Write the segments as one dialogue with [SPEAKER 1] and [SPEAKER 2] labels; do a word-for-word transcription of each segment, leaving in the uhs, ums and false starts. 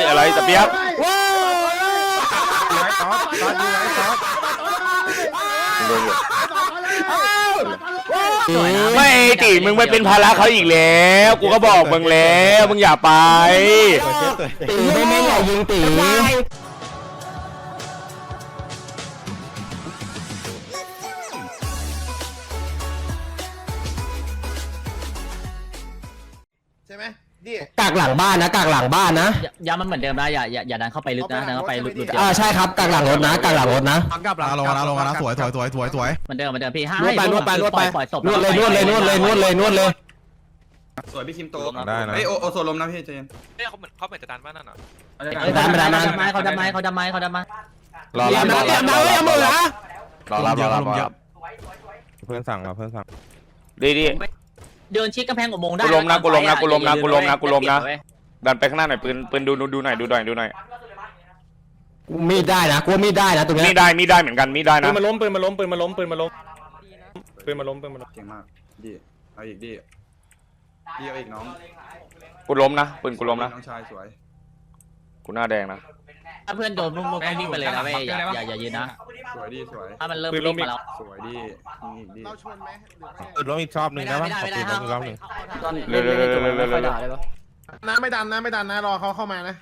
[SPEAKER 1] อะไรตะเปียกไม่ตีมึงไปเป็นภาระเขาอีกแล้วกูก็บอกมึงแล้วมึงอย่าไป
[SPEAKER 2] ตีไม่ไม่อย่ายิงตี
[SPEAKER 3] ใช่ไหมดิ
[SPEAKER 2] กากหลังบ้านนะกากหลังบ้านนะ
[SPEAKER 4] ย้ำมันเหมือนเดิมนะอย่าอย่าอย่าดันเข้าไปลึกนะดันเข้าไปลึกๆ
[SPEAKER 2] อ่าใช่ครับกากหลังรถนะกากหลังรถนะ
[SPEAKER 5] กลับหลังลงนะลงนะสวยสวยสวยสวยสวย
[SPEAKER 4] เหมือนเดิมเหมือนเดิมพี่ห้าน
[SPEAKER 2] วดไปนวดไปนวดไป
[SPEAKER 4] ปล่อยศพ
[SPEAKER 2] นวดเลยนวดเลยนวดเลยนวดเลยนวดเลย
[SPEAKER 6] สวยพี่คิมโต
[SPEAKER 5] ได้นะ
[SPEAKER 6] เอ้ยโอโอโซลมนะพี่เจน
[SPEAKER 7] เนี่ยเขาเหมือนเขาเหมือนจะดันบ้านนั่นอ่ะ
[SPEAKER 2] ดันไปดันมา
[SPEAKER 4] เขาดันไม้เขาดันไม้เขาดันไม้
[SPEAKER 1] รอรับรอรับรอรับรอรับรอรับรอรับรอรับ
[SPEAKER 5] เพื่อนสั่งมาเพื่อนสั่ง
[SPEAKER 1] ดีดี
[SPEAKER 4] เดินชิดกำแพงอุโมงค์ได้
[SPEAKER 1] กูล้มนะกูล้มนะกูล้มนะกูล้มนะกูล้มนะดันไปข้างหน้าหน่อยปืนปืนดูดูหน่อยดูหน่อยดูหน่อย
[SPEAKER 2] มีดได้นะกูมีดได้นะตรงนี้
[SPEAKER 1] มีได้มีได้เหมือนกันมีได้นะ
[SPEAKER 8] ปืนมาล้มปืนมาล้มปืนมาล้มปืนมาล้มปืนมาล้มปืนมาล้ม
[SPEAKER 6] เก่งมากดีเอาอีกดีดีเอาอีกน้อง
[SPEAKER 1] กูล้มนะปืนกูล้มนะ
[SPEAKER 6] น้องชายสวย
[SPEAKER 1] กูหน้าแดงนะ
[SPEAKER 4] ถ้าเพื่อนโดนมุกมุกวิ่งไปเลยนะเว้ยอย่าอย่าอย่ายืนนะ
[SPEAKER 6] สวยดีสวย
[SPEAKER 4] ถ้ามันเริ่มวิ่งมาแล้ว
[SPEAKER 6] สวยดีอีกดี
[SPEAKER 3] เราชนไหม
[SPEAKER 5] ปืนล้มอีกชอบหนึ่งได้ปะปืนล้มอีกรอบหนึ่ง
[SPEAKER 1] เร็วเร็วเร็วเร็วเร็วเร็ว
[SPEAKER 3] น้ำไม่ดันนะไม่ดันนะรอเขาเข้ามานะ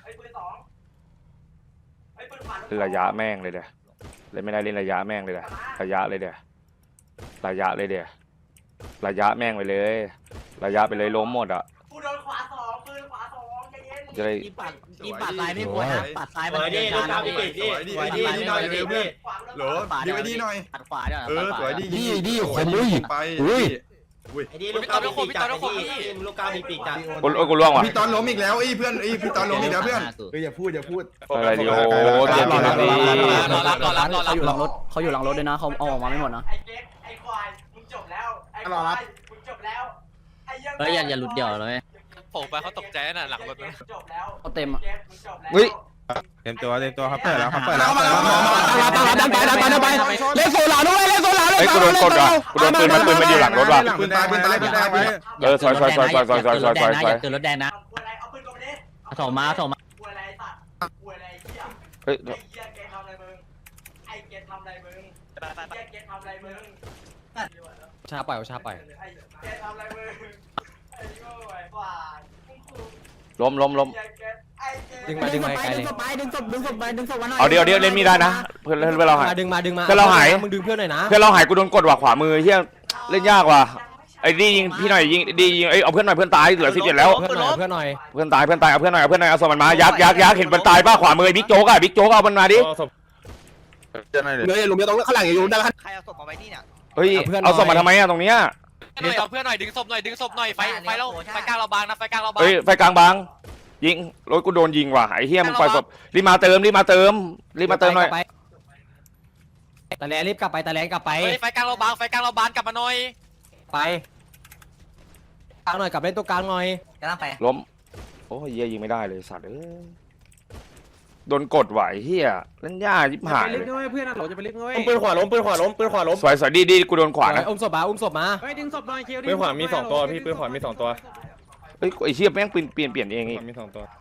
[SPEAKER 1] ระยะแม่งเลยเดี๋ยเลยไม่ได้เล่นระยะแม่งเลยเดี๋ยระยะเลยเดี๋ยระยะเลยเดี๋ยระยะแม่งไปเลยระยะไปเลยล้มหมดอ่ะ
[SPEAKER 9] กูโดนขวาสองปืนขวาสองใจเย็น
[SPEAKER 1] จะได้
[SPEAKER 4] อีปัดอีปัดซ้ายไม่ควรนะปัดซ้ายมันเดินทางนะพี่
[SPEAKER 6] สวยดีดีดีหน่อยเร็วเพื่อนหรอดีไว้ดีหน่อย
[SPEAKER 4] ปัดขวาเดี๋ยว
[SPEAKER 6] เออสวยดี
[SPEAKER 2] ดีดีขมอุ้ย
[SPEAKER 6] ไป
[SPEAKER 2] อุ้ย
[SPEAKER 7] ไอ้ดีลูกก้าวมีปีกจัดไอ้ดีลูกก้าวมีปีกจัด
[SPEAKER 1] กูกูล่วงว่ะ
[SPEAKER 6] พี่ตอนล้มอีกแล้วไอ้เพื่อนไอ้พี่ตอนล้มอีกแล้วเพื่อน
[SPEAKER 3] เฮ้ยอย่าพูดอย่าพูด
[SPEAKER 1] อะไรดีโอ้เจ็บจริงดี
[SPEAKER 7] รอรับรอรับรอรับ
[SPEAKER 4] เขาอยู่หลังรถเขาอยู่หลังรถด้วยนะเขาเอาออกมาไม่หมดนะ
[SPEAKER 9] ไอ้เก็ตไอ้ควายมึงจบแล้วไอ้ควายมึงจบแล้วไอ้ยัง
[SPEAKER 4] เฮ้ยอย่าอย่าหลุดเดี่ยวเลย
[SPEAKER 7] โผล่ไปเขาตกใจน่ะหลังรถ
[SPEAKER 9] จบแล้ว
[SPEAKER 4] เขาเต็มอ่ะ
[SPEAKER 1] เฮ้ย
[SPEAKER 5] เต็มตัวเต็มตัวครับเปิดแล้วครับเปิดแล้ว
[SPEAKER 2] ดันไปดันไปดันไปเล่นโซล่าด้วยเล่นโซล่าด้วย
[SPEAKER 1] เฮ้ยกูโดนกดว่ะกูโดนปืนมันปืนมันอยู่หลังรถว่ะ
[SPEAKER 6] ปืนตายปืนตายปืนตายปืน
[SPEAKER 1] เออซอยซอยซอยซอยซอยซอยซอยซอยซอย
[SPEAKER 4] เกิดรถแดงนะ
[SPEAKER 9] กูอะไรเอาปืนกูไปดิ
[SPEAKER 4] ส่งมาส่งมา
[SPEAKER 9] กูอะไรสัตว์กูอะไรเหี้ย
[SPEAKER 1] เฮ้ย
[SPEAKER 9] ไอ้เหี้ยเกตทำอะไรมึงไอ้เกตทำอะไรมึงไอ้เหี้ยเกตทำอะไรมึง
[SPEAKER 2] ชาปล่อยชาปล่อย
[SPEAKER 9] ไอ้เกตทำอะไรมึงไอ้โง่ไอ้ควาย
[SPEAKER 1] ล้มล้มล้ม
[SPEAKER 2] ดึงมาดึงมาไกลเลยดึงศพดึงศพไปดึงศพมาหน่อย
[SPEAKER 1] เอาเดี๋ยวเดี๋ยวเล่นมีได้นะเพื่อนเพื่อนเราหาย
[SPEAKER 2] ดึงมาดึงมา
[SPEAKER 1] เพื่อนเราหาย
[SPEAKER 2] มึงดึงเพื่อนหน่อยนะ
[SPEAKER 1] เพื่อนเราหายกูโดนกดว่ะขวามือเฮียเล่นยากว่ะไอ้ดียิงพี่หน่อยยิงดียิงไอ้เอาเพื่อนหน่อยเพื่อนตายเหลือสิบเจ็ดแล้ว
[SPEAKER 2] เพื่อนหน่อยเพื่อนหน่อย
[SPEAKER 1] เพื่อนตายเพื่อนตายเอาเพื่อนหน่อยเอาเพื่อนหน่อยเอาศพมันมายักยักยักเห็นมันตายป่ะขวามือบิ๊กโจ๊กอ่ะบิ๊กโจ๊กเอามันมาดิ
[SPEAKER 2] เงยหลุมเดียวตรงข้างหลังอย่าหลุมได้
[SPEAKER 9] ใครเอาศพมาไว้นี่เนี่ย
[SPEAKER 1] เฮ้ยเอาศพมาทำไมอ่ะตรงเนี้ย
[SPEAKER 7] หน่อยเอาเพื่อนหน่อยดึงศพหน่อยดึงศพหน่อยไฟไฟเราไฟกลางเราบางนะไฟกลางเราบาง
[SPEAKER 1] เฮ้ยไฟกลางบางยิงรถกูโดนยิงว่ะไอ้เฮียมึงปล่อยศพรีบมาเติมรีบมาเติมรีบมาเติมหน่อย
[SPEAKER 2] ตะแลรีบกลับไปตะแลกลับไป
[SPEAKER 7] เฮ้ยไฟกลางเราบางไฟกลางเราบางกลับมาหน่อย
[SPEAKER 2] ไปกลางหน่อยกลับเล่นตัวกลางหน่อย
[SPEAKER 9] กำลังไป
[SPEAKER 1] ล้มโอ้ยเฮียยิงไม่ได้เลยสัตว์เอ้ยโดนกดไหวเฮียเล่นยากยิบหายเลย
[SPEAKER 8] เพื่อนเราจะไปเล็กน้อยปืนขวาล้มปืนขวาล้มปืนขวาล้ม
[SPEAKER 1] สวยสวยดีดีกูโดนขวานะ
[SPEAKER 2] อุ้มศพมาอุ้มศพมา
[SPEAKER 8] เฮ้ยดึงศพหน่อยคิวดิปืนขวามีสองตัวพี่ปืนขวามีสองตัว
[SPEAKER 1] เฮ้ยไอ้เชี่ยแม่งเปลี่ยนเปลี่ยนเปลี่ยนเองอีก
[SPEAKER 8] มีสองตัว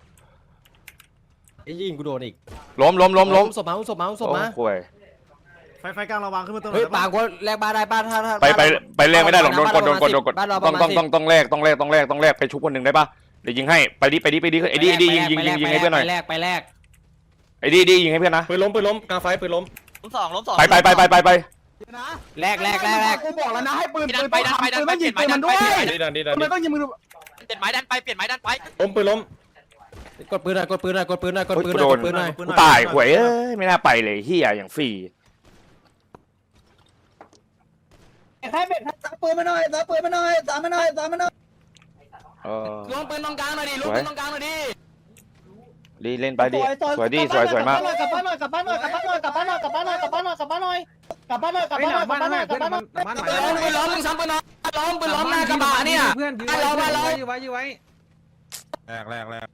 [SPEAKER 2] ไอ้ยิงกูโดนอีก
[SPEAKER 1] ล้มล้มล้มล้ม
[SPEAKER 2] อุ้มศพมาอุ้มศพมาอุ้มศพมา
[SPEAKER 1] โอ้ย
[SPEAKER 3] ไฟไฟกลางระวังขึ้นมาตัว
[SPEAKER 2] เฮ้ยปางกูแลกบ้านได้บ้านถ้าถ้า
[SPEAKER 1] ไปไปไปแลกไม่ได้หรอกโดนกดโดนกดโดนกดต้องต้องต้องต้องแลกต้องแลกต้องแลกต้องแลกไปชุบคนหนึ่งได้ปะเดี๋ยวยิงให้ไปดิไปดิไปดิไอ้ดิไอ้ดิยิงยิงยิงยิงให้เพื่อนหน่อย
[SPEAKER 2] ไปแลกไปแลก
[SPEAKER 1] ไอ้ดิดิยิงให้เพื่อนนะ
[SPEAKER 8] ปืนล้มปืนล้มกลางไฟปืนล้ม
[SPEAKER 9] ล้มสองล้มสอง
[SPEAKER 1] ไปไปไปไปไปไป
[SPEAKER 2] แลกแลกแลกแลก
[SPEAKER 3] กูบอกแล้วนะให้ปืน
[SPEAKER 7] ดันไปดันไปดันไปเปลี่ยนไม้ดันไป
[SPEAKER 8] ดีดันดีดัน
[SPEAKER 3] ทำไมต้องยิงมือ
[SPEAKER 7] เปลี่ยนไม้ดันไปเปลี่ยนไม้ดันไป
[SPEAKER 8] ล้มปืนล้ม
[SPEAKER 2] กดปืนหน่อยกดปืนหน่อยกดปืนหน่อยกดปืนห
[SPEAKER 1] กู
[SPEAKER 2] น่อย
[SPEAKER 1] โด
[SPEAKER 2] ก
[SPEAKER 1] น
[SPEAKER 2] ดปืนหน่อย
[SPEAKER 1] กูตายหวยเอ้ยไม่น่าไปเลยเฮียอย่างฟรี
[SPEAKER 9] ใครเป็นซักปืนมาหน่อยซักปืนมาหน่อยซักมาหน่อยซักมาหน่อย
[SPEAKER 1] เออ
[SPEAKER 2] ลงปืนตรงกลางหน่อยดิลงปืนตรงกลางหน่อยดิ
[SPEAKER 1] ดีเล่นไปดิสวยดีสวยสวยมาก
[SPEAKER 9] กลับบ้านหน่อยกลับบ้านหน่อยกลับบ้านหน่อยกลับบ้านหน่อยกลับบ้านหน่อยกลับบ้านหน่อยกลับบ้านหน่อยกลับบ้านหน่อยกลับบ้านหน่อยกลับบ้านหน่อยกลับบ้านหน่อยกลับบ้านหน่อย
[SPEAKER 2] ล้มปืนล้มมึงซ้ำปืนล้มล้มปืนล้มหน้ากระบะเนี่ย
[SPEAKER 8] เพื่อนยื้อ
[SPEAKER 2] ล้มล้ม
[SPEAKER 8] ยื้อไว้ยื้อไว้
[SPEAKER 5] แรกแรกแรก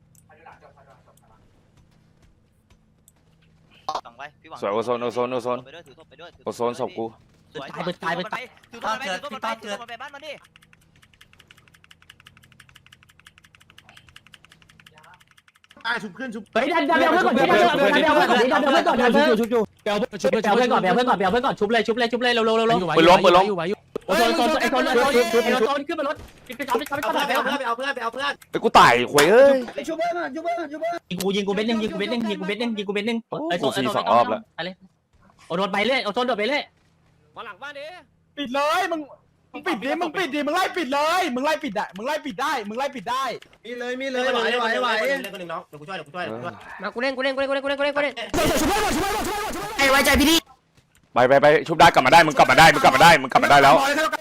[SPEAKER 1] สวยโอโซนโอโซนโอโซนโอโซนศพกู
[SPEAKER 4] ตายไปตายไปตาย
[SPEAKER 9] ถือตัวไปถือตัวไปถือตัวไปบ้านมันดิ
[SPEAKER 3] อได้ชุบขึ้นชุบ
[SPEAKER 9] เฮ้ยดันดันเบลเพื่อนก่อนดันเบลเพื่อนดันเบลเพื่อนก่อนดันเบลเพื่อนก่อนดันเบล
[SPEAKER 2] ชุบชุบ
[SPEAKER 9] เบลเพื่อนก่อนเบลเพื่อนก่อนเบลเพื่อนก่อนเบลเพื่อนก่อนชุบเลยชุบเลยชุบเลยเร็วเร็วเร็วเร็ว
[SPEAKER 1] ปืนล้มปืนล้ม
[SPEAKER 9] โอ้โซนโซนไอ้โซนไอ้โซนไอ้โซนขึ้นมารถไปช็อปไปช็อปไปช็อป
[SPEAKER 4] ไปเอาเพื่อนไปเอาเพื่อนไปเอาเพื่อน
[SPEAKER 1] ไอ้กูตายหวยเอ้ย
[SPEAKER 9] ชุบเพื่อนชุบเพื่อนชุบเพื่อนยิงกูยิงกูเบ็ดนึงยิงกูเบ็ดนึงยิงกูเบ็ดนึงยิงกูเบ็ดนึงไอ้โซนไอ้โซนไปเลยโอ้โดนไปเรื่อยโอ้โซนโดนไปเรื่อย
[SPEAKER 8] มาหลังบ้านดิ
[SPEAKER 2] ปิดเลยมึงมึงปิดดิมึงปิดดิมึงไล่ปิดเลยมึงไล่ปิดได้มึงไล่ปิดได้มึงไล่ปิดได้
[SPEAKER 3] มีเลยมีเลย
[SPEAKER 4] ไหวไหวไหวเล่นคนหนึ่งน้องเดี๋ยวกูช่วยเดี๋ยวกูช่วยเดี๋ยวกูช่วย
[SPEAKER 10] มากูเล่นกูเล่นกูเล่นกูเล่นกูเล่นกูเล่นกูเล่น
[SPEAKER 9] ไอ้ไว้ใจพี่ดิ
[SPEAKER 1] ไปไปไปชุบได้กลับมาได้มึงกลับมาได้มึงกลับมาได้มึงกลับมาได้แล้ว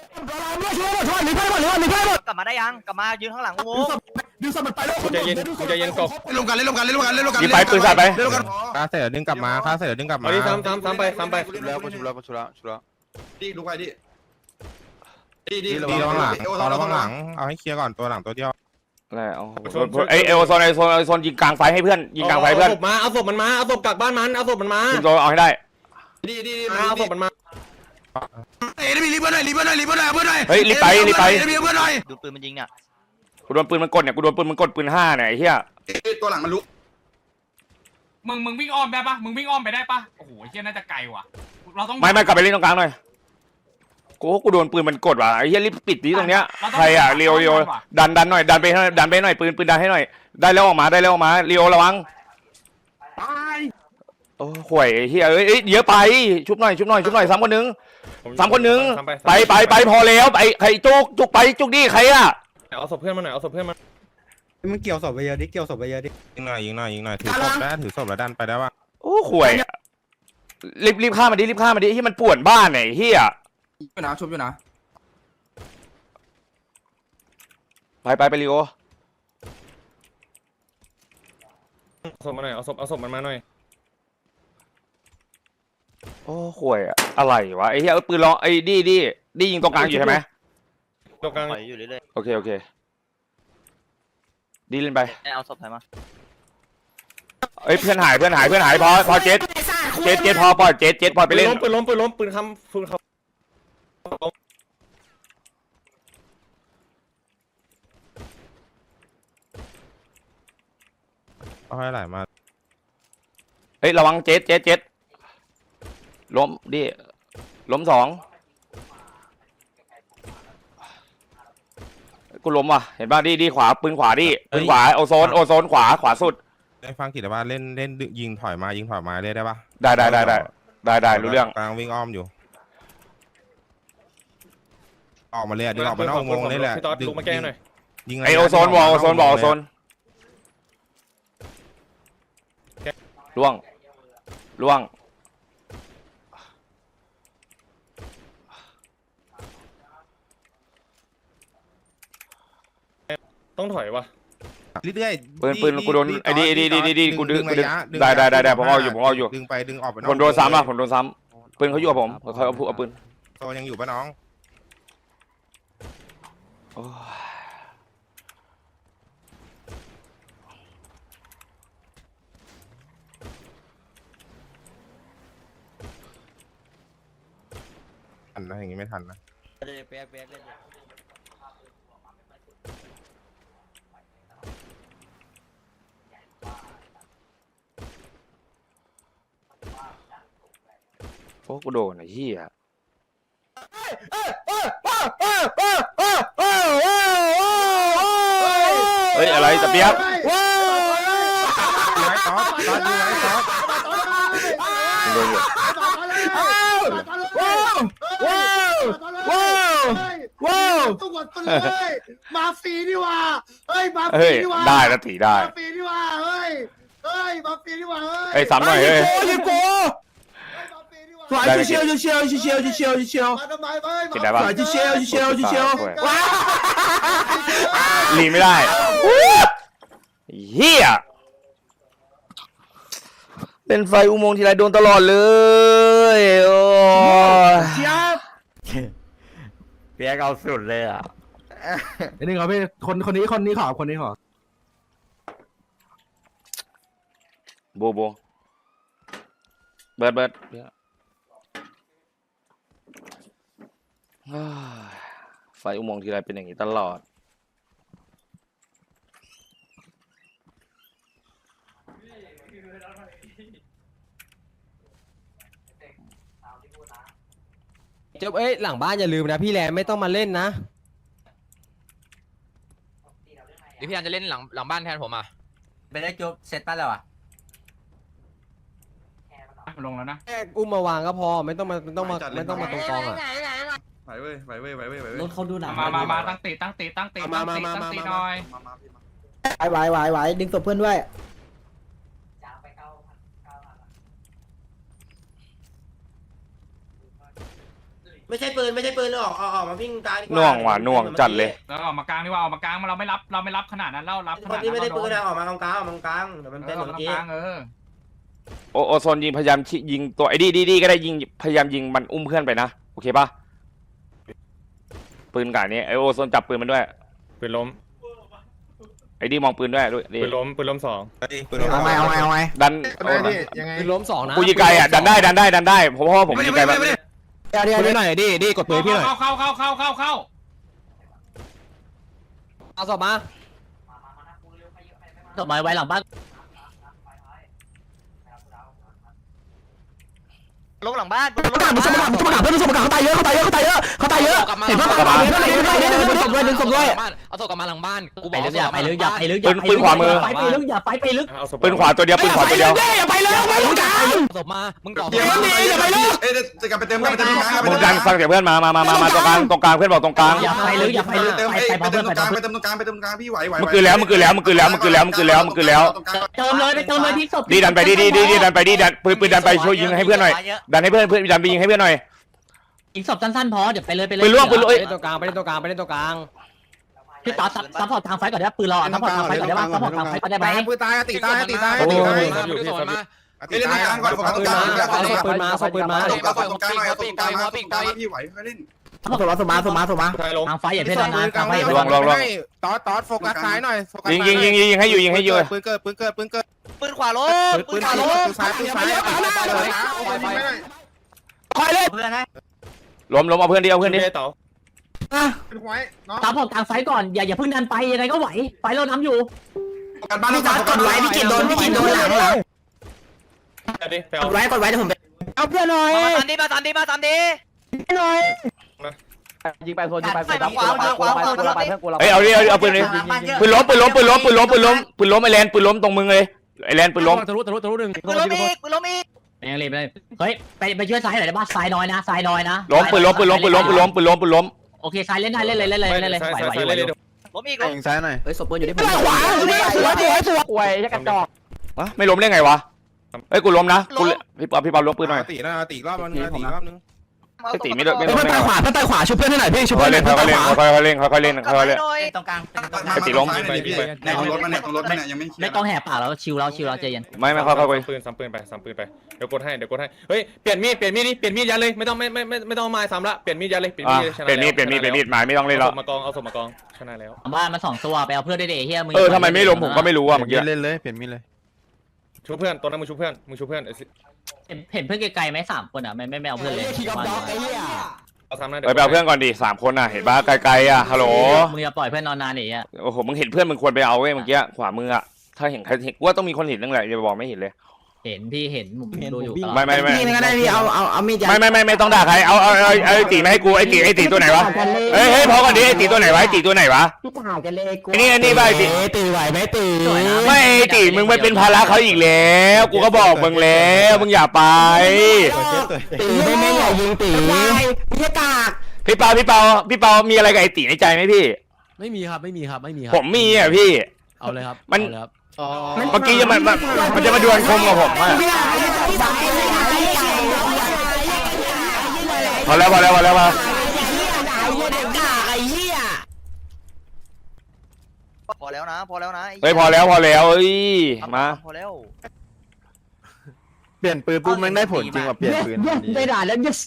[SPEAKER 10] กลับมาได้ยังกลับมายืนข้างหลังกู
[SPEAKER 2] ดึงสมัดไปแล้ว
[SPEAKER 8] กูใจเย็นกูใจเย็นกบ
[SPEAKER 3] ลงกันเล่นลงกันเล่นลงกันเล่นลงกัน
[SPEAKER 1] ยิงไปปืนใส่ไป
[SPEAKER 3] เล่นลงกัน
[SPEAKER 5] ค่าเสร็จดึงกลับมาค่าเสร็จดึงกลับมา
[SPEAKER 8] เอาดิซ้ำซ้ำซ้ำไปซ้ำไป
[SPEAKER 6] ชุบแล้วชุบแล้วชุบแล้วชุบแล้วดิลุกไปดิดิดิ
[SPEAKER 5] ดีระวังหลังต่อระวังหลังเอาให้เคลียร์ก่อนตัวหลังตัวเดียว
[SPEAKER 1] แล้วไอ้เอโอโซนไอโซนไอโซนยิงกลางไฟให้เพื่อนยิงกลางไฟเพื่อน
[SPEAKER 8] เอาศพมาเอาศพมันมาเอาศพกลับบ้านมันเอาศพมันมา
[SPEAKER 1] ยิงโซนเอาให้ได้
[SPEAKER 6] ดิดิ
[SPEAKER 8] เอาศพมันมา
[SPEAKER 3] เอ้ยรีบเพื่อนหน่อยรีบเพื่อนหน่อยรีบเพื่อนหน่อยเพื่อนหน่อย
[SPEAKER 1] เฮ้ยรีบไปรีบไป
[SPEAKER 3] รีบเพื่อนหน่อย
[SPEAKER 10] ดูปืนมันยิงเนี่ย
[SPEAKER 1] กูโดนปืนมันกดเนี่ยกูโดนปืนมันกดปืนห้าเนี่ยไอ้เหี้ย
[SPEAKER 6] ตัวหลังมันลุก
[SPEAKER 7] มึงมึงวิ่งอ้อมได้ปะมึงวิ่งอ้อมไปได้ปะโอ้โหเฮียน่าจะไกลว่ะเราต้อง
[SPEAKER 1] ไม่ไม่กลับไปเล่นตรงกลางหน่อยกูกูโดนปืนมันกดว่ะไอ้เหี้ยรีบปิดที่ตรงเนี้ยใครอ่ะเรียวเรียวดันดันหน่อยดันไปดันไปหน่อยปืนปืนดันให้หน่อยได้แล้วออกมาได้แล้วออกมาเรียวระวังโอ้ห่วยไอ้เหี้ยเอ้ยเยอะไปชุบหน่อยชุบหน่อยชุบหน่อยซ้ำคนนึงซ้ำคนนึงไปไปไปพอแล้วไปใครจุกจุกไปจุกดิใครอ่ะ
[SPEAKER 8] เอาศพเพื่อนมาหน่อยเอาศพเพื่อนมา
[SPEAKER 2] มึงเกี่ยวศพไปเยอะดิเกี่ยวศพไปเยอะดิ
[SPEAKER 5] ยิงหน่อยยิงหน่อยยิงหน่อยถือศพได้ถือศพแล้วดันไปได้ป่ะ
[SPEAKER 1] โอ้ห่วยรีบรีบฆ่ามันดิรีบฆ่ามันดิที่มันป่วนบ้านไหนเหี้ย
[SPEAKER 6] อยู่นะชุบอยู่นะ
[SPEAKER 1] ไปไปไปริโอ
[SPEAKER 8] เอาศพมาหน่อยเอาศพเอาศพมันมาหน่อย
[SPEAKER 1] โอ้ห่วยอะอะไรวะไอ้เหี้ยปืนล้อไอ้ดีดีดียิงตรงกลางอยู่ใช่ไหม
[SPEAKER 8] ตรงกลาง
[SPEAKER 10] ปล่อยอยู่เรื่อย
[SPEAKER 1] โอเคโอเคดีเล่นไป
[SPEAKER 10] ๆเอาศพใครมา
[SPEAKER 1] เอ้ยเพื่อนหายเพื่อนหายเพื่อนหายพอพอเจ็ดเจ็ดเจ็ดพอปล่อยเจ็ดเจ็ดปล่อยไป
[SPEAKER 8] ปืน
[SPEAKER 1] เล่น
[SPEAKER 8] ล้มปืนล้มปืนล้มปืนคำปืนเขา
[SPEAKER 5] เอาให้ไหลมา
[SPEAKER 1] เฮ้ยระวังเจ็ดเจ็ดเจ็ดล้มดิล้มสองกูล้มว่ะเห็นป่ะดีดีขวาปืนขวาดิปืนขวาโอโซนโอโซนขวาขวาสุด
[SPEAKER 5] ได้ฟังกิจว่าเล่นเล่นยิงถอยมายิงถอยมาเล่นได้ป่ะ
[SPEAKER 1] ได้ได้ได้ได้ได้ได้รู้เรื่อง
[SPEAKER 5] กลางวิ่งอ้อมอยู่ออกมาเลยดึงออกมานอกวงนี่แหละ
[SPEAKER 8] พี่ต๊อดลุกมาแก้หน่อย
[SPEAKER 5] ยิง
[SPEAKER 1] ไอโอโซนวอลโอโซนวอลโอโซนล่วงล่วง
[SPEAKER 8] ต้องถอยวะ
[SPEAKER 5] เรื่อย
[SPEAKER 1] ปืนปืนกูโดนไอ้ดีไอ้ดีดีดีกูดึงกูดึงได้ได้ได้ได้ผมเอาอยู่ผมเอาอยู่
[SPEAKER 5] ดึงไปดึงออกไป
[SPEAKER 1] ผมโดนซ้ำอ่ะผมโดนซ้ำปืนเขาอยู่กับผมเขาเอาเอาปืน
[SPEAKER 5] โซยังอยู่ป่ะน้อง
[SPEAKER 1] โอ้ย
[SPEAKER 5] ทันนะอย่างงี้ไม่ทันนะ
[SPEAKER 4] เป๊ะเป๊ะเล่น
[SPEAKER 1] โอ้กูโดนไอ้เหี้ยเฮ้ยอะไรตะเปียก
[SPEAKER 5] ดูไว้ต๊อดต๊อดดูไว้ต๊อด
[SPEAKER 1] โดนอยู่
[SPEAKER 9] ว้าวว้าวว้าวทุกคนเลยมาฟรีนี่ว่าเฮ้ยมาฟรี
[SPEAKER 1] เฮ้ย
[SPEAKER 9] นี่ว่า
[SPEAKER 1] ได้นะตีได้
[SPEAKER 9] มาฟรีนี่ว่าเฮ้ยเฮ้ยมาฟรีนี่ว่าเฮ้ย
[SPEAKER 1] เฮ้ยซ้ำหน่อยเฮ้ย
[SPEAKER 2] ยิงกู
[SPEAKER 9] มาฟรีนี่ว่า
[SPEAKER 2] สวยเชียวเชียวเชียวเชียวเชียว
[SPEAKER 9] มาทำไมเฮ้ย
[SPEAKER 1] ติดได้ปะ
[SPEAKER 2] สวยเชียวเชียวเชียวว้า
[SPEAKER 1] ลีไม่ได้เหี้ยเล่นไฟอุโมงค์ทีไรโดนตลอดเลยโอ้ย
[SPEAKER 2] เชียบ
[SPEAKER 4] เปียกเอาสุดเลยอ่ะ
[SPEAKER 2] อันนี้ครับพี่คนคนนี้คนนี้ขอคนนี้ขอ
[SPEAKER 1] โบโบเบิร์ดเบิร์ดเฮ้ยไฟอุโมงค์ทีไรเป็นอย่างนี้ตลอด
[SPEAKER 11] จบเอ้ยหลังบ้านอย่าลืมนะพี่แรมไม่ต้องมาเล่นนะ
[SPEAKER 4] เดี๋ยวพี่อันจะเล่นหลังหลังบ้านแทนผมอ่ะ
[SPEAKER 9] ไปได้จบเสร็จป้าแล้วอ่ะ
[SPEAKER 7] ลงแล้วนะ
[SPEAKER 11] แค่อุ้มมาวางก็พอไม่ต้องมาไม่ต้องมาไม่ต้องมาตรงกองอ่ะ
[SPEAKER 6] ไหวเว้ยไหวเว้ยไหวเว้ยไหวเว้ย
[SPEAKER 9] รถเขาดูหนัง
[SPEAKER 7] มามามาตั้งตีตั้งตีตั้งตีตั้งตีตั้งตีหน่อย
[SPEAKER 6] มามาพี่มา
[SPEAKER 11] ไหวไหวไหวดึงศพเพื่อนด้วย
[SPEAKER 9] ไม่ใช่ปืนไม่ใช่ปืนเลยออกออกมาวิ่งกลาง
[SPEAKER 1] น่วงว่ะน่วงจัดเลย
[SPEAKER 7] แล้วออกมากลางดีกว่าออกมากลางเราไม่รับเราไม่รับขนาดนั้นเรารับขนาดนั้น
[SPEAKER 9] ไม่ได้ปืนนะออกมากลางกลางออกมากลางเดี๋ยวมัน
[SPEAKER 7] เอ
[SPEAKER 9] เป็น
[SPEAKER 7] อ
[SPEAKER 9] เห
[SPEAKER 7] อ
[SPEAKER 9] มื
[SPEAKER 7] อ
[SPEAKER 9] อก น
[SPEAKER 7] มา
[SPEAKER 9] กี้
[SPEAKER 7] กลางเออ
[SPEAKER 1] โอโอโซนยิงพยายามชิยิงตัวไอ้ดีดีดีก็ได้ยิงพยายามยิงมันอุ้มเพื่อนไปนะโอเคปะปืนกาดนี้ไอโอโซนจับปืนมันด้วย
[SPEAKER 8] ปืนล้ม
[SPEAKER 1] ไอ้ดีมองปืนด้วยด้วยดี
[SPEAKER 8] ปืนล้มปืนล้มสอง
[SPEAKER 5] เอาไงเอาไงเอาไง
[SPEAKER 1] ดัน
[SPEAKER 5] ได้ดิยังไง
[SPEAKER 11] คือล้มสองนะ
[SPEAKER 1] กูยิงไกลอ่ะดันได้ดันได้ดันได้เพราะว่าผม
[SPEAKER 3] ไม่ได้
[SPEAKER 1] ยิงไกล
[SPEAKER 3] ไม่
[SPEAKER 1] แบบ
[SPEAKER 3] ได้ไม่ได้
[SPEAKER 11] เดี๋ยวเดี๋ยวเดี๋ยวหน่อยดิดิกดปืนพี่หน่อย
[SPEAKER 7] เข้าเข้าเข้าเข้าเข้าเข้า
[SPEAKER 11] เอาศพมา
[SPEAKER 9] ต่อมาไว้หลังบ้าน
[SPEAKER 10] ลงหลังบ้าน
[SPEAKER 11] ประกาศมึงสมการประกาศเพื่อนสมการเขาตายเยอะเขาตายเยอะเขาตายเยอะเขาตายเยอะเห็นปะเขาตายเยอะเขาตายเยอะดึงศพด้วยดึงศพด้วย
[SPEAKER 4] เอาตัวกลับมาหลังบ้านกูบ
[SPEAKER 9] ไป
[SPEAKER 4] อก
[SPEAKER 9] ลึกอย่าไปลึกอย่าไปลึก
[SPEAKER 1] ปืนปืนขวามือ
[SPEAKER 9] ไปไปลึกอย่าไปไปลึก
[SPEAKER 8] เอาศพ
[SPEAKER 1] ปืนขวาตัวเดียวปืนขวาตัวเดียว
[SPEAKER 11] อย่าไปเลยไม่ต้องการ
[SPEAKER 4] ศพมามึงต่อ
[SPEAKER 6] เดี๋ยวมันอย่าไปเลยเอ้ยจะกลับไปเติมกันไปเติมกลาง
[SPEAKER 1] มึงดันฟังเสียงเพื่อนมามามามามาตรงกลางตรงกลางเพื่อนบอกตรงกลาง
[SPEAKER 9] อย่าไปลึกอย่าไปลึก
[SPEAKER 6] เติม
[SPEAKER 9] ไป
[SPEAKER 6] เอ้ย
[SPEAKER 9] ไป
[SPEAKER 6] ไป
[SPEAKER 9] เพื่
[SPEAKER 6] เติ
[SPEAKER 9] อน
[SPEAKER 6] มต
[SPEAKER 9] ไป
[SPEAKER 6] รงกลางไปเติมตรงกลางไปเติมตรงกลางพี่ไหวไหว
[SPEAKER 1] มึงคือแล้วมึงคือแล้วมึงคือแล้วมึงคือแล้วมึงคือแล้วมึงคือแล้ว
[SPEAKER 9] เติมเลยไปเติมเลยที่ศพ
[SPEAKER 1] ดีดันไปดีดีดีดีดันไปดีดันปืนปืนดันไปช่วยยิงให้เพื่อนหน่อยดันให้เพื่อนเพื่อนดันไปยิงให้เพื่อนหน่อย
[SPEAKER 9] อีกศพสั้นๆพอเดี๋ยวไปเลยไปเลย
[SPEAKER 1] ปืนล่วงปืนล่วง
[SPEAKER 11] ไปเล่นตรงกลางไปเล่นตรงกลางไปเล่นตรงกลาง
[SPEAKER 9] พี่ต่อซัพพอร์ตทางไฟก่อนได้ปืนเราซัพพอร์ตทางไฟก่อนได้ป่ะซัพพอร์ตทางไฟก่อนได้ไหม
[SPEAKER 5] ตายปืนตายตีตายตีตาย
[SPEAKER 8] โอ้
[SPEAKER 5] ตี
[SPEAKER 8] ย
[SPEAKER 5] ตาย
[SPEAKER 8] อยู่ที่
[SPEAKER 4] สอนมา
[SPEAKER 6] เล่นตรงกลางก่อนโฟกัสตรงกลาง
[SPEAKER 11] เอาปืนมาเอาปืนมา
[SPEAKER 6] ตรงกลางตรงกลางหน่อยตรงกลางมาตรงกลางพี่ไหวค่อยเล่น
[SPEAKER 11] สมาสมาสมาสมา
[SPEAKER 8] สุดท้ายล้ม
[SPEAKER 9] ทางไฟอย่าเพ่นนานทางไฟอย่า
[SPEAKER 5] ล
[SPEAKER 9] เพ่
[SPEAKER 5] ง
[SPEAKER 9] น
[SPEAKER 5] ลงลงตอดตอดโฟกัสซ้ายหน่อย
[SPEAKER 1] ยิงยิงยิงยิงให้อยู่ยิงให้อยู่
[SPEAKER 5] ปืนเกิดปืนเกิดปืนเกิด
[SPEAKER 10] ปืนขวาลง
[SPEAKER 5] ปื
[SPEAKER 10] ปื
[SPEAKER 5] น
[SPEAKER 10] นขวาลง
[SPEAKER 5] ปืนซ้ายปืนซ้าย
[SPEAKER 11] คอยเล่น
[SPEAKER 10] เพื่อนให้
[SPEAKER 1] ล้มล้มเอาเพื่อนดิเอาเพื่อนดิ
[SPEAKER 8] ไม่ได้เต๋า
[SPEAKER 5] เป็นไว้เนาะ
[SPEAKER 9] ซัพพอร์ตทางไฟก่อนอย่าอย่าเพิ่งดันไปยังไงก็ไหวไฟเรานำอยู่
[SPEAKER 6] กันบ้านต้องกดไว้พี่กินโดนพี่กินโดนหลังหลัง
[SPEAKER 8] เอาดิไปเอา
[SPEAKER 11] กดไว้กดไว้เดี๋ยวผมเอาเพื่อนหน่อย
[SPEAKER 10] มาตามดีมาตามดีมาตามดี
[SPEAKER 11] หน่อย
[SPEAKER 10] ยิงไปโซนยิงไปโซนขวาขวาขวาขวาขวาไปเพื่อนกู
[SPEAKER 1] เฮ้ยเอาดิเอาเอาปืนดิปืนล้มปืนล้มปืนล้มปืนล้มปืนล้มปืนล้มไอแลนปืนล้มตรงมึงเลยไอแลนปืนล้ม
[SPEAKER 11] ทะลุทะลุทะลุหนึ่ง
[SPEAKER 10] ปืนล้มอีกปืนล้มอีก
[SPEAKER 9] ยังรีบเลยเฮ้ยไปไปช่วยซ้ายหน่อยได้ป่ะซ้ายน้อยนะซ้ายน้อยนะ
[SPEAKER 1] ล้มปืนล้มปืนล้มปืนล้มปืนล้มปืนล้มปืนล้ม
[SPEAKER 9] โอเคซ้ายเล่นได้เล่นเลยเล่นเลยเล่นเลย
[SPEAKER 8] ซ้าย
[SPEAKER 9] ไหว
[SPEAKER 8] ซ้าย
[SPEAKER 9] ไหว
[SPEAKER 8] ซ้าย
[SPEAKER 9] ไหว
[SPEAKER 8] เลยเดี๋ยว
[SPEAKER 10] ล้มอีก
[SPEAKER 5] ยิงซ้ายหน่อย
[SPEAKER 11] เฮ้ยศพปืนอยู่ที่ผมขวาสวยสวยสวย
[SPEAKER 10] ป่วยจะกระจอก
[SPEAKER 1] วะไม่ล้มได้ไงวะเอ้ยกูล้มนะกูพี่ป๊อปพี่ป๊อปล้มปืนหน่อย
[SPEAKER 5] ตีนะตีรอบนึงตีรอบนึง
[SPEAKER 1] ไอตีไม่ได้ไม่
[SPEAKER 11] เฮ้ย
[SPEAKER 1] ล้ม
[SPEAKER 11] เพื่อน
[SPEAKER 1] ได้
[SPEAKER 11] ตาย
[SPEAKER 1] ไง
[SPEAKER 11] ขวาเพื่อนตายขวาช่วยเพื่อนให้หน่อยพี่ช่วย
[SPEAKER 1] ค่
[SPEAKER 11] เพื่
[SPEAKER 1] อ
[SPEAKER 11] อย นห
[SPEAKER 1] เล่
[SPEAKER 11] น่
[SPEAKER 1] น
[SPEAKER 11] อย
[SPEAKER 1] ค่
[SPEAKER 11] เพื่อน
[SPEAKER 1] อย
[SPEAKER 11] ตายขวา
[SPEAKER 1] ๆเล่นค่อยๆเล่นค่อยๆเล่นค่อยๆเล่น
[SPEAKER 9] ตรงกลาง
[SPEAKER 1] ไอตีล้ม
[SPEAKER 6] ในตรงรถมันเนี่ยตรงรถมันเนี่ยยังไม่
[SPEAKER 9] ไม่ต้องแหกปากแล้วชิวแล้วชิวแล้วใจเย็น
[SPEAKER 1] ไม่ไม่ค่อยๆไป
[SPEAKER 8] ปืนซ้ำปืนไปซ้ำปืนไปเดี๋ยวกดให้เดี๋ยวกดให้เฮ้ยเปลี่ยนมีดเปลี่ยนมีดดิเปลี่ยนมีดยัดเลยไม่ต้องไม่ไม่ไม่ไม่ต้องมาซ้ำละเปลี่ยนมีดยัดเลยเปลี่ยน
[SPEAKER 1] อ่ะ
[SPEAKER 8] มีดชนะ
[SPEAKER 1] เปลี่ยนมีดเปลี่ยนมีดเปลี่ยนมีดหมายไม่ต้องเล่นแล้ว
[SPEAKER 8] เอาศพมากองเอาศพมากองชนะแล้ว
[SPEAKER 9] บ้านมันสองตัวไปเอาเพื่อนได้เดเฮียมึง
[SPEAKER 1] เออทำไมไม่ล้มผมก็ไม่รู้อ่ะเมื่อกี้
[SPEAKER 5] เล่นเลยเปลี่ยนมีดเลย
[SPEAKER 8] ชูเพื่อนตัวนั้นมึงชูเพื่อนมึงชูเพื่อน
[SPEAKER 9] เห็นเห็นเพื่อนไกลๆไหมสามคนอ่ะไม่ไม่ไม่เอาเพื่อนเลย
[SPEAKER 11] ขี่กับด็อกไอ้เหี้ย
[SPEAKER 8] เอาซ้ำนะ
[SPEAKER 1] ไปเอาเพื่อนก่อนดิสามคนน่ะเห็นป่ะไกลๆอ่ะฮัลโหล
[SPEAKER 9] มึงอย่าปล่อยเพื่อนนอนนานดิอ่ะ
[SPEAKER 1] โอ้โหมึงเห็นเพื่อนมึงควรไปเอาเว้ยเมื่อกี้ขวามืออ่ะถ้าเห็นใครเห็นว่าต้องมีคนเห็นตั้งแหละอย่าบอกไม่เห็นเลย
[SPEAKER 9] เห็นพี่เห็นผมดูอยู่
[SPEAKER 1] ไม่ไม่ไม่
[SPEAKER 11] พี่ก็ได้พี่เอาเอาเอามีดยัด
[SPEAKER 1] ไม่ไม่ไม่ไม่ต้องด่าใครเอาเอาเอาไอ้ตีมาให้กูไอ้ตีไอ้ตีตัวไหนวะเฮ้ยเฮ้ยพอก่อนดิไอ้ตีตัวไหนวะไอ้ตีตัวไหนวะ
[SPEAKER 11] พี่ถ่ายกันเลยกู
[SPEAKER 1] ไอ้นี่ไอ้นี่ป่ะไอ้ตี
[SPEAKER 11] ตีไหวไหมตี
[SPEAKER 1] ไม่ไอ้ตีมึงไปเป็นภาระเขาอีกแล้วกูก็บอกมึงแล้วมึงอย่าไป
[SPEAKER 11] ตีไม่ไม่อย่ายิงตีพี่กาก
[SPEAKER 1] พี่เปาพี่เปาพี่เปามีอะไรกับไอ้ตีในใจไหมพี่
[SPEAKER 11] ไม่มีครับไม่มีครับไม่มีครั
[SPEAKER 1] ผมมีอ่ะพี่
[SPEAKER 11] เอาเลยครับ
[SPEAKER 1] มัน
[SPEAKER 11] เอาเลยครับ
[SPEAKER 1] เมื่อกี้จะมันมันมันจะมาดวลคมกับผมอ่ะพอแล้วพอแล้วพอแล้วมา
[SPEAKER 10] พอแล้วนะพอแล้วนะ
[SPEAKER 1] เฮ้ยพอแล้วพอแล้วเอ้ยมา
[SPEAKER 10] พอแล้ว
[SPEAKER 5] เปลี่ยนปืนปุ๊บมันได้ผลจริงว่ะเปลี่ยนปืน
[SPEAKER 11] ได้ด่าแล้ว yes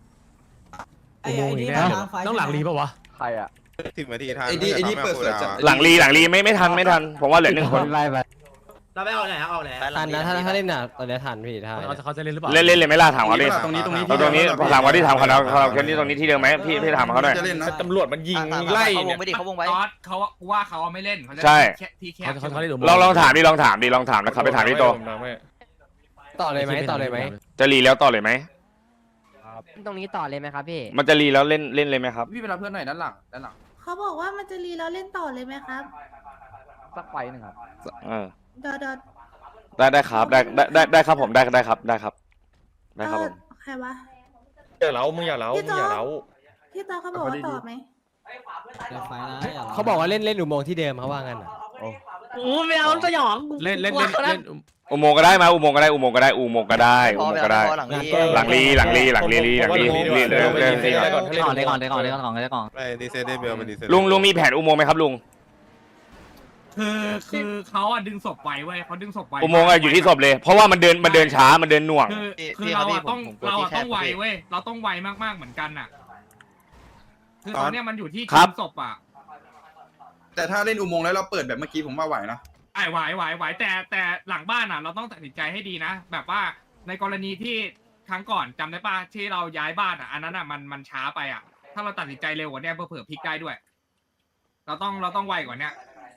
[SPEAKER 2] ต้องหลังรีป่าวะ
[SPEAKER 10] ใครอ่ะ
[SPEAKER 5] สิบนาทีทัน
[SPEAKER 6] ไอ้นี่ไอ้นี่เปิดเสือจัด
[SPEAKER 1] หลังรีหลังรีไม่ไม่ทันไม่ทันผมว่าเหลือหนึ่งคน
[SPEAKER 11] ไล่ไป
[SPEAKER 4] เราไม่เอาไหนเอาไหน
[SPEAKER 10] ทันนะถ้าถ้าเล่นน่ะตอนนี้ทันพี่ถ้า
[SPEAKER 9] เขาเขาจะเล่นหรือเปล่า
[SPEAKER 1] เล่นเล่นเลยไหมล่ะถามเขาดิ
[SPEAKER 6] ตรงนี้ตรงนี้
[SPEAKER 1] เอาตรงนี้ถามเขาที่ถามเขาแล้วเขาแค่นี้ตรงนี้ที่เดิมไหมพี่พี่ถามเขาหน่อย
[SPEAKER 6] จะเล่นนะ
[SPEAKER 8] ตำรวจมันยิงไล่เนี่ย
[SPEAKER 7] เขาวงไว้ตอสเขากูว่าเขาไม่เล่นเขาจะ
[SPEAKER 1] ใช่
[SPEAKER 7] แค่ที่แค
[SPEAKER 9] เขา
[SPEAKER 7] บ
[SPEAKER 9] เขาเขาเล่น
[SPEAKER 1] ลองลองถามดิลองถามดิลองถามนะครับไปถามที่โต
[SPEAKER 10] ต่อเลยไหมต่อเลยไหม
[SPEAKER 1] จะรีแล้วต่อเลยไหม
[SPEAKER 10] ตรงนี้ต่อเลยไหมครับพี่
[SPEAKER 1] มันจะรีแล้วเล่นเล่นเลยไหมครับ
[SPEAKER 2] พี่ไปรับเพื่อนหน่อยด้านหลังด้านหลัง
[SPEAKER 12] เขาบอกว่ามันจะรีแล้วเล่นต่อเลยไหมครับ
[SPEAKER 10] สักไฟหนึ่งครับ
[SPEAKER 1] เออ
[SPEAKER 12] เดอดอ
[SPEAKER 1] ได้ได้ครับได้ได้ได้ได้ครับผมได้ได้ครับได้ครับได้ครับผม
[SPEAKER 12] ใครวะ
[SPEAKER 8] อย่าเล้ามึงอย่าเล้ามึงอย่าเล้า
[SPEAKER 12] พี่ตาเขาบอกว่าต่อไหม
[SPEAKER 10] เขาบอกว่าเล่นเล่นอุโมงค์ที่เดิมเขาว่างั้นอ่ะ
[SPEAKER 9] โอ้ไม่เอาสยอง
[SPEAKER 5] เล่นเล่นเล่นเล่น
[SPEAKER 1] อุโมงค์ก็ได้มาอุโมงค์ก็ได้อุโมงค์ก็ได้อุโมงค์ก็ได้อุโมงค์ก็ได้หลังลีหลังลีหลังลีหลังลีลีเรื่องเรื่องที่
[SPEAKER 9] ก่อนเลยก่อนเลยก่อนเลยก่อนเลยก่อน
[SPEAKER 5] ไปดีเซลได้เบลไปดีเซล
[SPEAKER 1] ลุงลุงมีแผนอุโมงค์ไหมครับลุง
[SPEAKER 7] คือคือเขาอะดึงศพไว้เว้ยเขาดึงศพไว้
[SPEAKER 1] อุโมงค์อะอยู่ที่ศพเลย เพราะว่ามันเดินมันเดินช้ามันเดินหน่วง
[SPEAKER 7] คือคือเราอะต้องเราอะต้องไวเว้ยเราต้องไวมากๆเหมือนกันอะคือตอนเนี้ยมันอยู่ที่
[SPEAKER 1] ครับ
[SPEAKER 7] ศพอะ
[SPEAKER 6] แต่ถ้าเล่นอุโมงค์แล้วเราเปิดแบบเมื่อกี้ผมว่าไหวนะ
[SPEAKER 7] ไอ้ไหวไหวไหวแต่แต่หลังบ้านอะเราต้องตัดสินใจให้ดีนะ แบบว่าในกรณีที่ครั้งก่อนจำได้ป่ะที่เราย้ายบ้านอะอันนั้นอะมันมันช้าไปอะถ้าเราตัดสินใจเร็วกว่านี้เผื่อพลิกได้ด้วย เราต้องเราต้องไวกว่านี้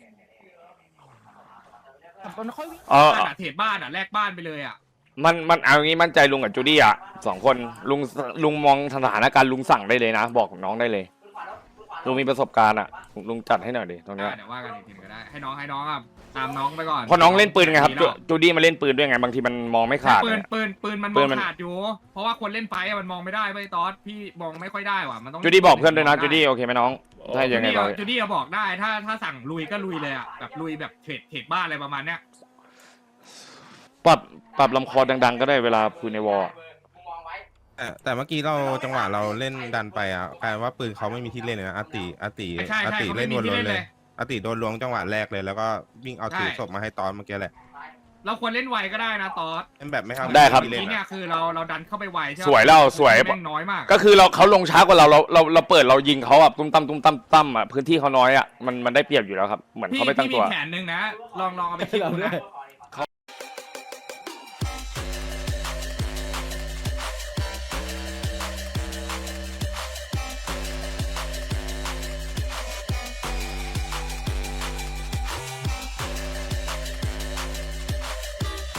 [SPEAKER 1] เออ
[SPEAKER 7] บ้านอะเทรดบ้านอะแลกบ้านไปเลยอะ
[SPEAKER 1] มันมันเอางี้มั่นใจลุงกับจูดี้อ่ะสองคนลุงลุงมองสถานการณ์ลุงสั่งได้เลยนะ บอกน้องได้เลยลุงมีประสบการณ์อ่ะลุงจัดให้หน่อยดิตรงเนี้ย
[SPEAKER 7] เดี๋ยวว่ากันอีกทีก็ได้ให้น้องให้น้องอะตามน้องไปก่อน
[SPEAKER 1] เพราะน้องเล่นปืนไงครับจูจูดี้มาเล่นปืนด้วยไงบางทีมันมองไม่ขาด
[SPEAKER 7] ปืน
[SPEAKER 1] เนี่ย
[SPEAKER 7] ปืนปืนมันม
[SPEAKER 1] ปื
[SPEAKER 7] อง
[SPEAKER 1] นมัน
[SPEAKER 7] ขาดอยู่ เพราะว่าคนเล่นไฟอะมันมองไม่ได้เว้ยตอสพี่มองไม่ค่อยได้ว่ะมันต้อง
[SPEAKER 1] จูดี้บอกเพื่อนด้วยนะจูดี้โอเคไหมน้องถ้า
[SPEAKER 7] จู
[SPEAKER 1] ยังไง
[SPEAKER 7] ดี้
[SPEAKER 1] เรา
[SPEAKER 7] จูดี้อะบอกได้ถ้าถ้าสั่งลุยก็ลุยเลยอะแบบลุยแบบเทรดเทรดบ้านอะไรประมาณเนี้ย
[SPEAKER 1] ปรับปรับลำคอดังๆ ก็ได้เวลาคุยในวอล
[SPEAKER 5] แต่แต่เมื่อกี้เราจังหวะเราเล่นดันไปอ่ะกลายว่าปืนเขาไม่มีที่เล่นเลยนะอาติอาติ
[SPEAKER 7] ใช่
[SPEAKER 5] อา
[SPEAKER 7] ใช่
[SPEAKER 5] ติ
[SPEAKER 7] เขา
[SPEAKER 5] เล่
[SPEAKER 7] ไม่
[SPEAKER 5] น
[SPEAKER 7] มี
[SPEAKER 5] วน
[SPEAKER 7] ที่
[SPEAKER 5] ๆ
[SPEAKER 7] เล่น
[SPEAKER 5] เล
[SPEAKER 7] เลย ย
[SPEAKER 5] อาติโดนล้วงจังหวะแรกเลยแล้วก็วิ่งเอาถือ
[SPEAKER 7] ใช่
[SPEAKER 5] ศพมาให้ตอนเมื่อกี้แหละ
[SPEAKER 7] เราควรเล่นไวก็ได้นะตอส
[SPEAKER 5] เล่นแบบไม่เข้า
[SPEAKER 1] ได้ครับ
[SPEAKER 5] ที่
[SPEAKER 7] ที
[SPEAKER 5] เล่น
[SPEAKER 7] เนี่
[SPEAKER 5] อะ
[SPEAKER 7] ยคือเราเราดันเข้าไปไวใช่ปะ
[SPEAKER 1] สวยแล้วสวย
[SPEAKER 7] แม่งน้อยมาก
[SPEAKER 1] ก็คือเราเขาลงช้ากว่าเราเราเราเราเปิดเรายิงเขาอ่ะตุ้มตั้มตุ้มตั้มตั้มอ่ะพื้นที่เขาน้อยอ่ะมันมันได้เปรียบอยู่แล้วครับเหมือน
[SPEAKER 7] พี่
[SPEAKER 1] เขาไม่ตั้ง
[SPEAKER 7] พี่
[SPEAKER 1] ตั
[SPEAKER 7] มี
[SPEAKER 1] ว
[SPEAKER 7] แผนหนึ่งนะ ลองลองเอาไปคิดดูนะ